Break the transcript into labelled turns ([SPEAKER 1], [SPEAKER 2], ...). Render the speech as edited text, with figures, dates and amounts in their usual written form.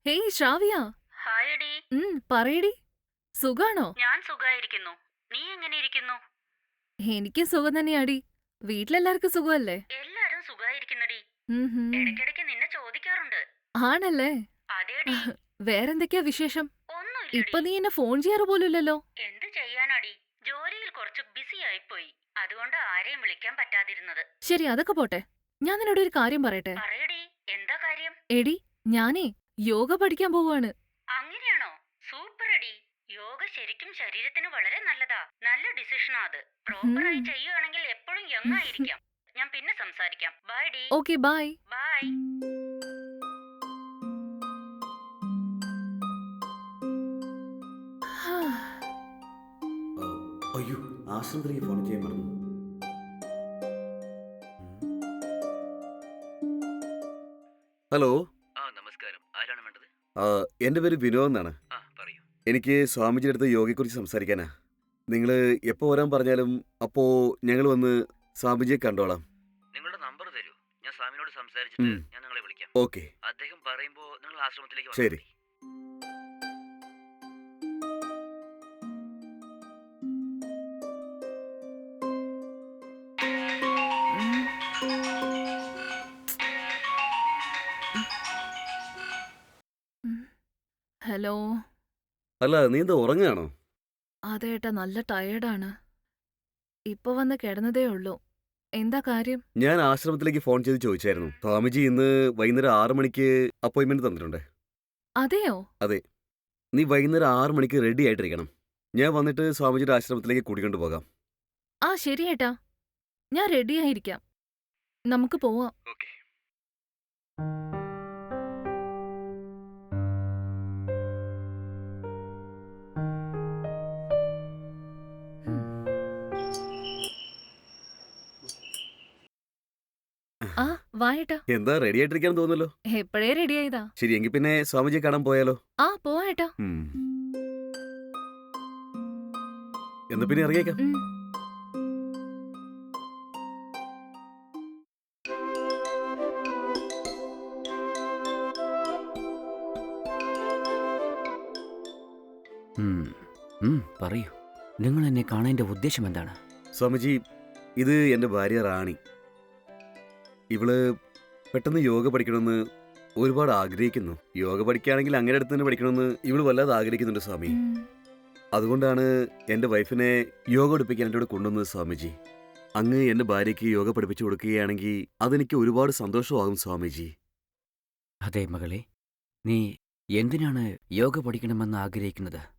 [SPEAKER 1] Hey ശ്രാവ്യ.
[SPEAKER 2] ഹായടി.
[SPEAKER 1] പറയടി. സുഖാണോ?
[SPEAKER 2] ഞാൻ സുഖായിരിക്കുന്നു. നീ എങ്ങനെ ഇരിക്കുന്നു?
[SPEAKER 1] എനിക്ക് സുഖം തന്നെയാടി. വീട്ടിലെല്ലാവർക്കും സുഖമല്ലേ?
[SPEAKER 2] എല്ലാരും സുഖായിരിക്കുന്നടി.
[SPEAKER 1] ഉം ഹും.
[SPEAKER 2] ഇടയ്ക്കിടയ്ക്ക് നിന്നെ ചോദിക്കാറുണ്ട്.
[SPEAKER 1] ആണല്ലേ?
[SPEAKER 2] അതേടി.
[SPEAKER 1] വേറെന്തൊക്കെയാ വിശേഷം? ഇപ്പൊ
[SPEAKER 2] ഒന്നുമില്ലടി.
[SPEAKER 1] നീ എന്നെ ഫോൺ ചെയ്യാറ് പോലുമില്ലല്ലോ.
[SPEAKER 2] എന്ത് ചെയ്യാനാടി, ജോലിയിൽ കുറച്ച് ബിസി ആയിപ്പോയി. അതുകൊണ്ട് ആരെയും വിളിക്കാൻ പറ്റാതിരുന്നത്.
[SPEAKER 1] ശരി, അതൊക്കെ പോട്ടെ. ഞാൻ നിന്നോട് ഒരു കാര്യം പറയട്ടെ?
[SPEAKER 2] പറയടി, എന്താ കാര്യം?
[SPEAKER 1] എടി, ഞാനേ യോഗ പഠിക്കാൻ പോവാണ്.
[SPEAKER 2] അങ്ങനെയാണോ? സൂപ്പറടി. യോഗ ശരിക്കും ശരീരത്തിന് വളരെ നല്ലതാ. നല്ല ഡിസിഷനാ അത്. പ്രോപ്പറായി ചെയ്യുകയാണെങ്കിൽ എപ്പോഴും യങ് ആയിരിക്കാം. ഞാൻ പിന്നെ സംസാരിക്കാം. ബൈ ഡി.
[SPEAKER 1] Okay, bye.
[SPEAKER 2] ബൈ.
[SPEAKER 3] അയ്യോ, ആശ്രമത്തിലേക്ക് ഫോൺ ചെയ്യാൻ മറന്നു. ഹലോ.
[SPEAKER 4] നമസ്കാരം. ആരാണ് വേണ്ടത്?
[SPEAKER 3] എൻ്റെ പേര് വിനോദ് എന്നാണ്.
[SPEAKER 4] പറയൂ.
[SPEAKER 3] എനിക്ക് സ്വാമിജിയുടെ അടുത്ത് യോഗയെക്കുറിച്ച് സംസാരിക്കാനാ. നിങ്ങൾ എപ്പോൾ വരാൻ പറഞ്ഞാലും അപ്പോൾ ഞങ്ങൾ വന്ന് സ്വാമിജിയെ കണ്ടോളാം.
[SPEAKER 4] നിങ്ങളുടെ നമ്പർ തരൂ. ഞാൻ സ്വാമിനോട് സംസാരിച്ചിട്ട് ഞാൻ നിങ്ങളെ വിളിക്കാം.
[SPEAKER 3] ഓക്കെ.
[SPEAKER 4] അദ്ദേഹം പറയുമ്പോൾ നിങ്ങൾ ആശ്രമത്തിലേക്ക് വന്നാൽ
[SPEAKER 3] ശരി.
[SPEAKER 4] മതി.
[SPEAKER 1] ഹലോ.
[SPEAKER 3] അല്ല, നീ എന്താ ഉറങ്ങുകയാണോ?
[SPEAKER 1] അതേട്ടാ, നല്ല ടയേർഡാണ്. ഇപ്പൊ വന്ന് കിടന്നതേ ഉള്ളൂ. എന്താ കാര്യം?
[SPEAKER 3] ഞാൻ ആശ്രമത്തിലേക്ക് ഫോൺ ചെയ്ത് ചോദിച്ചായിരുന്നു. സ്വാമിജി ഇന്ന് വൈകുന്നേരം 6 മണിക്ക് അപ്പോയിൻമെന്റ് തന്നിട്ടുണ്ട്.
[SPEAKER 1] അതെയോ?
[SPEAKER 3] അതെ. നീ വൈകുന്നേരം 6 മണിക്ക് റെഡി ആയിട്ടിരിക്കണം. ഞാൻ വന്നിട്ട് സ്വാമിജിയുടെ ആശ്രമത്തിലേക്ക് കൂട്ടിക്കൊണ്ട് പോകാം.
[SPEAKER 1] ആ ശരി ഏട്ടാ, ഞാൻ റെഡിയായിരിക്കാം. നമുക്ക് പോവാം.
[SPEAKER 3] ഓക്കെ.
[SPEAKER 1] ആ വാ ഏട്ടാ.
[SPEAKER 3] എന്താ റെഡി ആയിട്ടിരിക്കാൻ തോന്നുന്നല്ലോ.
[SPEAKER 1] എപ്പോഴേ റെഡിയായതാ.
[SPEAKER 3] ശരി, എങ്കിൽ പിന്നെ സ്വാമിജിയെ കാണാൻ പോയാലോ?
[SPEAKER 1] ആ പോവാ ഏട്ടാ.
[SPEAKER 3] എന്നാ പിന്നെ ഇറങ്ങിയേക്കാം.
[SPEAKER 4] പറയൂ. നിങ്ങൾ എന്നെ കാണേണ്ട ഉദ്ദേശം എന്താണ്?
[SPEAKER 3] സ്വാമിജി, ഇത് എൻ്റെ ഭാര്യ റാണി. ഇവള് പെട്ടെന്ന് യോഗ പഠിക്കണമെന്ന് ഒരുപാട് ആഗ്രഹിക്കുന്നു. യോഗ പഠിക്കുകയാണെങ്കിൽ അങ്ങനെ അടുത്ത് തന്നെ പഠിക്കണമെന്ന് ഇവള് വല്ലാതെ ആഗ്രഹിക്കുന്നുണ്ട് സ്വാമി. അതുകൊണ്ടാണ് എൻ്റെ വൈഫിനെ യോഗ പഠിപ്പിക്കാൻ എൻ്റെ കൂടെ കൊണ്ടുവന്നത് സ്വാമിജി. അങ്ങ് എൻ്റെ ഭാര്യയ്ക്ക് യോഗ പഠിപ്പിച്ചു കൊടുക്കുകയാണെങ്കിൽ അതെനിക്ക് ഒരുപാട് സന്തോഷമാകും സ്വാമിജി.
[SPEAKER 4] അതെ മകളെ, നീ എന്തിനാണ് യോഗ പഠിക്കണമെന്ന് ആഗ്രഹിക്കുന്നത്?